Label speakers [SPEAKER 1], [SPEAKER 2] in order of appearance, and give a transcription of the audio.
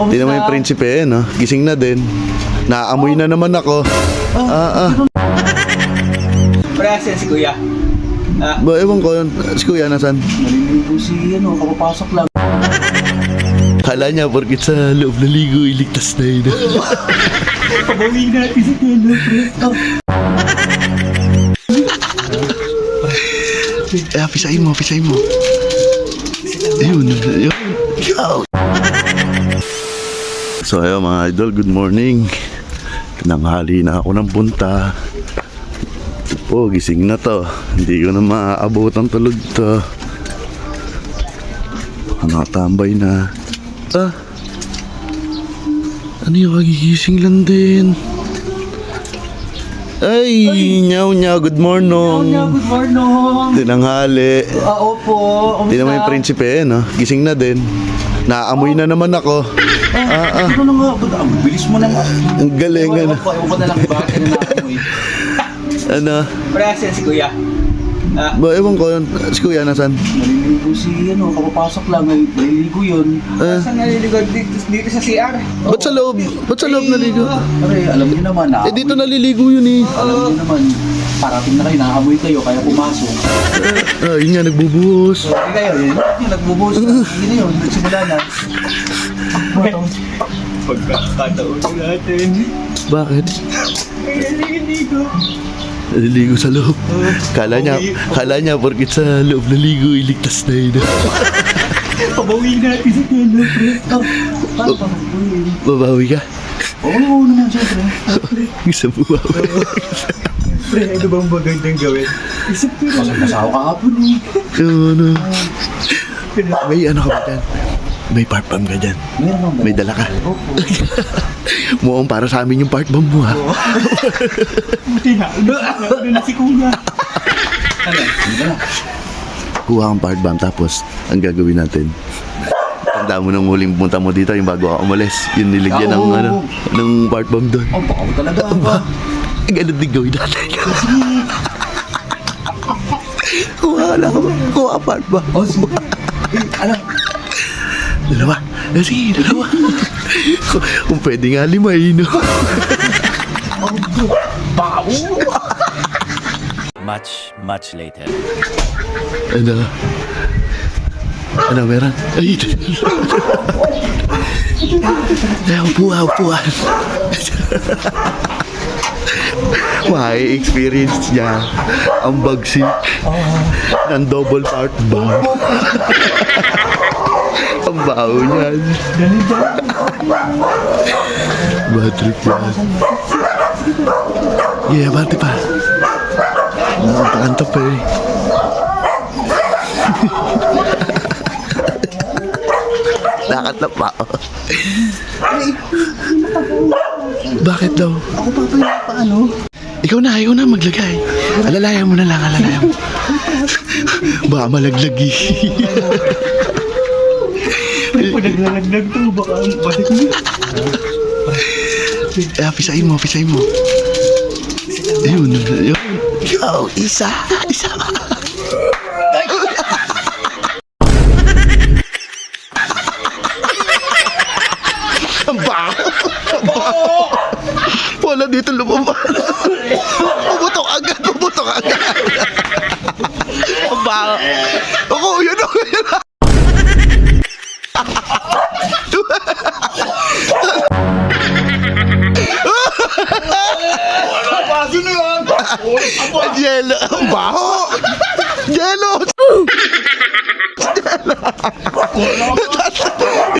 [SPEAKER 1] Hindi naman yung prinsipe eh, no? Gising na din. Naamoy na naman ako.
[SPEAKER 2] Parehas yan si Kuya.
[SPEAKER 1] Ewan ko, si Kuya nasan?
[SPEAKER 2] Naliligo si kapapasok lang.
[SPEAKER 1] Kala niya, porkit sa loob na ligo, iligtas na yun.
[SPEAKER 2] Pabawin natin si Kuya, pre.
[SPEAKER 1] Pisahin mo. Ayun. So ayun mga idol, good morning. Nanghali na ako ng punta. Ito po, gising na to. Hindi ko na maaabot ang tulog to. Nakatambay na. Ano yung kagigising lang din? Ay, nyaw, good morning.
[SPEAKER 2] Good morning.
[SPEAKER 1] Tinanghali.
[SPEAKER 2] Opo.
[SPEAKER 1] Hindi naman yung prinsipe eh, no? Gising na din. Naamoy na naman ako.
[SPEAKER 2] Ano na nga? Ang bilis mo na nga.
[SPEAKER 1] Ang galing, ano?
[SPEAKER 2] Ewan ko na lang bakit ka na naamoy.
[SPEAKER 1] Ano?
[SPEAKER 2] Parehas yan si Kuya.
[SPEAKER 1] Ewan ko, si Kuya nasan?
[SPEAKER 2] Naliligo si kapapasok lang. Naliligo yun. Saan naliligo? Dito sa CR.
[SPEAKER 1] Ba't sa loob? Ba't sa loob naligo?
[SPEAKER 2] Pare, alam niyo naman na.
[SPEAKER 1] Dito naliligo yun eh.
[SPEAKER 2] Alam niyo naman, parating na kayo, nakaamoy kayo, kaya pumasok.
[SPEAKER 1] Yun nga, nagbubuhos.
[SPEAKER 2] Hindi kayo, yun yung nagbubuhos na. Hindi na yun, nagsimula na. Pagkakataon natin.
[SPEAKER 1] Bakit?
[SPEAKER 2] Naliligo.
[SPEAKER 1] Naliligo sa loob. Kala niya, porkit sa loob naligo, iligtas na yun.
[SPEAKER 2] Pabawin natin si Kuya, pre. Paano pa magbuhin?
[SPEAKER 1] Babawi ka?
[SPEAKER 2] Oo naman, syempre.
[SPEAKER 1] Sa buwawi.
[SPEAKER 2] Pre, ano bang magandang gawin? Isip ko na. Masasawa ka hapon eh.
[SPEAKER 1] Ano? May ano ka ba dyan? May part bomb ka dyan?
[SPEAKER 2] Meron ba?
[SPEAKER 1] May dala ka?
[SPEAKER 2] Opo.
[SPEAKER 1] Mukhang para sa amin yung part bomb mo ha.
[SPEAKER 2] Buti na. Ano na si Kuya? Ano? Hindi na.
[SPEAKER 1] Kuha kang part bomb tapos ang gagawin natin. Tanda mo nang huling punta mo dito yung bago ako umalis. Yung niligyan ng, ng part bomb doon.
[SPEAKER 2] Oh, baka mo talaga ba?
[SPEAKER 1] Ganun din gawin natin. Kuha ka part bomb.
[SPEAKER 2] Oh, sige. Alam.
[SPEAKER 1] Dalawa. Sige, dalawa. Kung pwede nga 5, no?
[SPEAKER 2] Bawo!
[SPEAKER 3] Much later.
[SPEAKER 1] Ano, meron? Ay, upuan. May experience niya ang bagsik ng double part bomb. Ang baho niyan. Bad trip yan. Yeah, bati pa. Nakakanta pa eh. Nakakanta pa. Bakit daw?
[SPEAKER 2] Ako pa paano?
[SPEAKER 1] Ikaw na maglagay. Alalayan mo na lang, Baka malaglag eh.
[SPEAKER 2] Pag naglalaglag to, baka balik mo.
[SPEAKER 1] Pisahin mo. Ayun. Isa. Ang baho. Wala dito lumabas. Pumutok agad. Ang baho. Ako, yun. Jello. Ang baho. Jello.